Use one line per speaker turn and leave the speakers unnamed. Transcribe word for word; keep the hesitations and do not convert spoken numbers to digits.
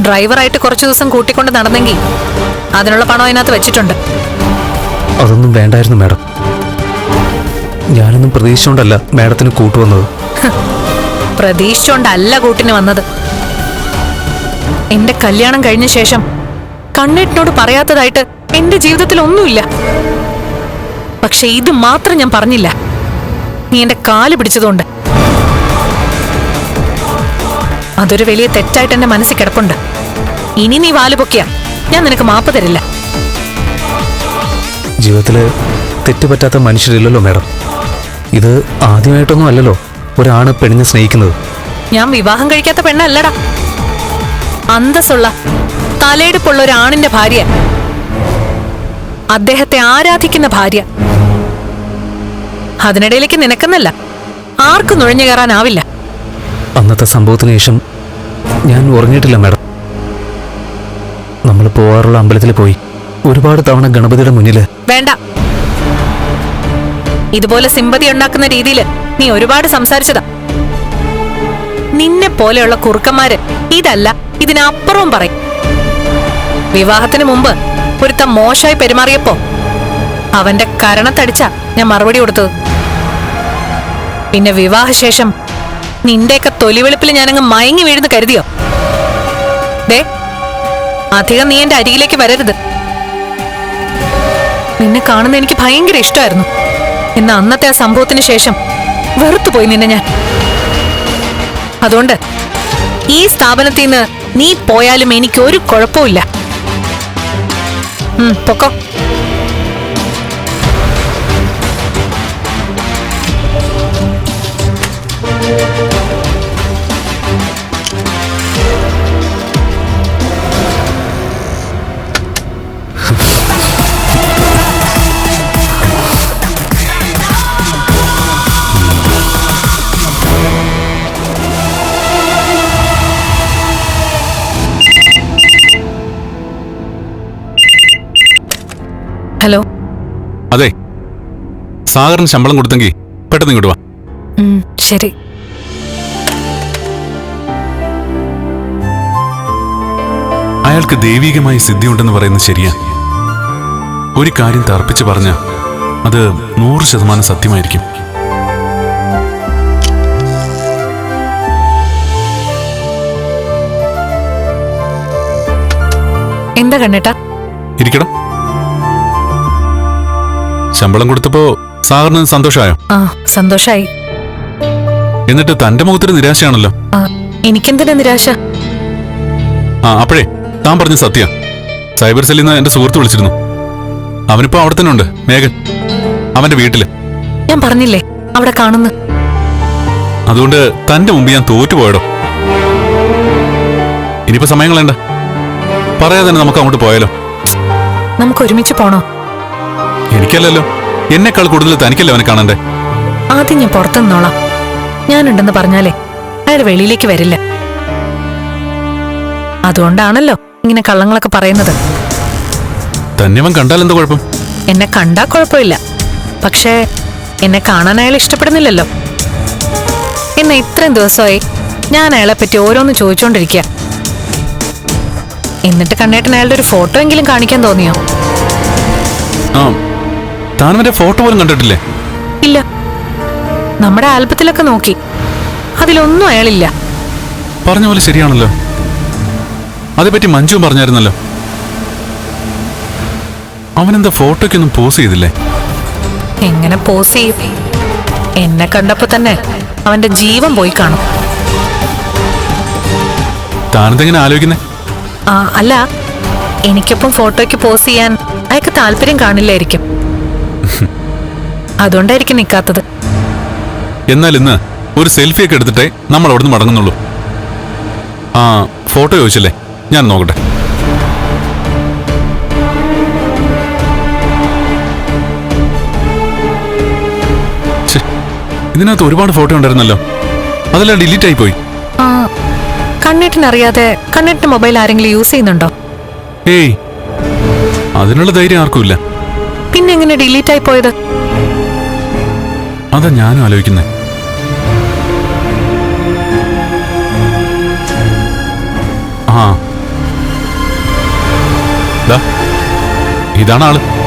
ഡ്രൈവറായിട്ട് കുറച്ചു ദിവസം കൂട്ടിക്കൊണ്ട് നടന്നെങ്കിൽ അതിനുള്ള പണം അതിനകത്ത് വെച്ചിട്ടുണ്ട്.
അതൊന്നും വേണ്ടായിരുന്നു മാഡം. ഞാനൊന്നും പ്രതീക്ഷിച്ചോണ്ടല്ല മാഡത്തിന് കൂട്ടുവന്നത്.
പ്രതീക്ഷിച്ചോണ്ടല്ല കൂട്ടിന് വന്നത്. എന്റെ കല്യാണം കഴിഞ്ഞ ശേഷം കണ്ണേട്ടിനോട് പറയാത്തതായിട്ട് എന്റെ ജീവിതത്തിൽ ഒന്നുമില്ല. പക്ഷെ ഇത് മാത്രം ഞാൻ പറഞ്ഞില്ല, നീ എന്റെ കാല് പിടിച്ചതുകൊണ്ട്. അതൊരു വലിയ തെറ്റായിട്ട് എന്റെ മനസ്സിൽ കിടപ്പുണ്ട്. ഇനി നീ വാല് പൊക്കിയ ഞാൻ നിനക്ക് മാപ്പ് തരില്ല.
ജീവിതത്തില് തെറ്റുപറ്റാത്ത മനുഷ്യരില്ലല്ലോ മാഡം. ഇത് ആദ്യമായിട്ടൊന്നും അല്ലല്ലോ ഒരാണ് പെണ്ണിനെ സ്നേഹിക്കുന്നത്.
ഞാൻ വിവാഹം കഴിക്കാത്ത പെണ്ണല്ലടാ, അന്തസ്സുള്ള തലയെടുപ്പുള്ള ഒരാണിന്റെ ഭാര്യ, അദ്ദേഹത്തെ ആരാധിക്കുന്ന ഭാര്യ. അതിനിടയിലേക്ക് നിനക്കെന്നല്ല ആർക്കും നുഴഞ്ഞു കയറാനാവില്ല.
അന്നത്തെ സംഭവത്തിന് ശേഷം ഞാൻ ഉറങ്ങിയിട്ടില്ല മാഡം. നമ്മൾ പോവാറുള്ള അമ്പലത്തിൽ പോയി ഒരുപാട് തവണ ഗണപതിയുടെ മുന്നില്.
വേണ്ട, ഇതുപോലെ സിമ്പതി ഉണ്ടാക്കുന്ന രീതിയിൽ നീ ഒരുപാട് സംസാരിച്ചതാ. നിന്നെ പോലെയുള്ള കുറുക്കന്മാര് ഇതല്ല ഇതിനപ്പുറവും പറയും. വിവാഹത്തിന് മുമ്പ് ഒരുത്ത മോശമായി പെരുമാറിയപ്പോ അവന്റെ കരണത്തടിച്ച ഞാൻ മറുപടി കൊടുത്തത്. പിന്നെ വിവാഹശേഷം നിന്റെയൊക്കെ തൊലിവെളുപ്പിൽ ഞാനങ്ങ് മയങ്ങി വീഴുന്നു കരുതിയോ? ദേ, അധികം നീ എന്റെ അരികിലേക്ക് വരരുത്. നിന്നെ കാണുന്ന എനിക്ക് ഭയങ്കര ഇഷ്ടമായിരുന്നു. എന്ന അന്നത്തെ ആ സംഭവത്തിന് ശേഷം വെറുത്തുപോയി നിന്നെ ഞാൻ. അതുകൊണ്ട് ഈ സ്ഥാപനത്തിൽ നിന്ന് നീ പോയാലും എനിക്ക് ഒരു കുഴപ്പമില്ല. പൊക്കോ. ഹലോ.
അതെ, സാഗറിന് ശമ്പളം കൊടുത്തെങ്കിൽ പെട്ടെന്ന് ഇങ്ങോട്ട് വാ.
ശരി.
അയാൾക്ക് ദൈവികമായ സിദ്ധിയുണ്ടെന്ന് പറയുന്നത് ശരിയാ. ഒരു കാര്യം തർപ്പിച്ച് പറഞ്ഞ അത് നൂറ് ശതമാനം സത്യമായിരിക്കും.
എന്താ കണ്ണേട്ടാ?
ഇരിക്കണം. ശമ്പളം കൊടുത്തപ്പോ സാഗറിന് സന്തോഷമായോ?
ആ, സന്തോഷായി.
എന്നിട്ട് തന്റെ മുഖത്തൊരു നിരാശയാണല്ലോ.
എനിക്കെന്തിനാ നിരാശ?
ആ, അപ്പോഴേ താൻ പറഞ്ഞ സത്യ. സൈബർ സെല്ലിൽ നിന്ന് എന്റെ സുഹൃത്ത് വിളിച്ചിരുന്നു. അവനിപ്പോ അവിടെ തന്നെ ഉണ്ട്, മേഘൻ, അവന്റെ വീട്ടില്.
ഞാൻ പറഞ്ഞില്ലേ അവിടെ കാണുന്നു.
അതുകൊണ്ട് തന്റെ മുമ്പ് ഞാൻ തോറ്റുപോയടോ. ഇനിയിപ്പോ സമയം കളയണ്ട, പറയാതെ തന്നെ നമുക്ക് അങ്ങോട്ട് പോയാലോ?
നമുക്ക് ഒരുമിച്ച് പോണോ?
എനിക്കല്ലല്ലോ, എന്നെക്കാൾ കൂടുതൽ തനിക്കല്ലേ അവനെ കാണണ്ടേ.
ആദ്യം ഞാൻ പുറത്തു നിന്നോളാം. ഞാനുണ്ടെന്ന് പറഞ്ഞാലേ അയാൾ വെളിയിലേക്ക് വരില്ല. അതുകൊണ്ടാണല്ലോ ഇങ്ങനെ കള്ളങ്ങളൊക്കെ പറയുന്നത്.
തന്നെ അവൻ കണ്ടാൽ എന്താ കുഴപ്പം?
എന്നെ കണ്ടാ കുഴപ്പമില്ല, പക്ഷേ എന്നെ കാണാൻ അയാൾ ഇഷ്ടപ്പെടുന്നില്ലല്ലോ. എന്നെ ഇത്രയും ദിവസമായി ഞാൻ അയാളെ പറ്റി ഓരോന്ന് ചോദിച്ചോണ്ടിരിക്കുക. എന്നിട്ട് കണ്ണേട്ടൻ അയാളുടെ ഒരു ഫോട്ടോ എങ്കിലും കാണിക്കാൻ തോന്നിയോ?
ആ, താനവന്റെ ഫോട്ടോ പോലും കണ്ടിട്ടില്ലേ?
ഇല്ല. നമ്മുടെ ആൽബത്തിലൊക്കെ നോക്കി, അതിലൊന്നും അയാളില്ല.
പറഞ്ഞ പോലെ ശരിയാണല്ലോ. അതേപറ്റി മഞ്ജുവും പറഞ്ഞായിരുന്നല്ലോ. അവനെന്താ ഫോട്ടോയ്ക്കൊന്നും പോസ് ചെയ്തില്ലേ?
എങ്ങനെ പോസ് ചെയ്യും? എന്നെ കണ്ടപ്പോ തന്നെ അവന്റെ ജീവൻ പോയി കാണും.
താനെന്തെങ്ങനെ ആലോചിക്കുന്നേ?
ആ, അല്ല, എനിക്കൊപ്പം ഫോട്ടോയ്ക്ക് പോസ് ചെയ്യാൻ അയാൾക്ക് താല്പര്യം കാണില്ലായിരിക്കും. അതുകൊണ്ടായിരിക്കും നിൽക്കാത്തത്.
എന്നാൽ ഇന്ന് ഒരു സെൽഫിയൊക്കെ എടുത്തിട്ടേ നമ്മൾ അവിടുന്ന് മടങ്ങുന്നുള്ളൂ. ആ, ഫോട്ടോ ചോദിച്ചല്ലേ, ഞാൻ നോക്കട്ടെ. ഇതിനകത്ത് ഒരുപാട് ഫോട്ടോ ഉണ്ടായിരുന്നല്ലോ, അതെല്ലാം ഡിലീറ്റ് ആയി പോയി.
ആ, കണ്ണേട്ടിനറിയാതെ കണ്ണേട്ടിന്റെ മൊബൈൽ ആരെങ്കിലും യൂസ് ചെയ്യുന്നുണ്ടോ?
ഏയ്, അതിനുള്ള ധൈര്യം ആർക്കുമില്ല.
പിന്നെ എങ്ങനെ ഡിലീറ്റ് ആയി പോയത്?
അതാ ഞാനും ആലോചിക്കുന്നേ. ആ, ദാ, ഇതാണ് ആള്.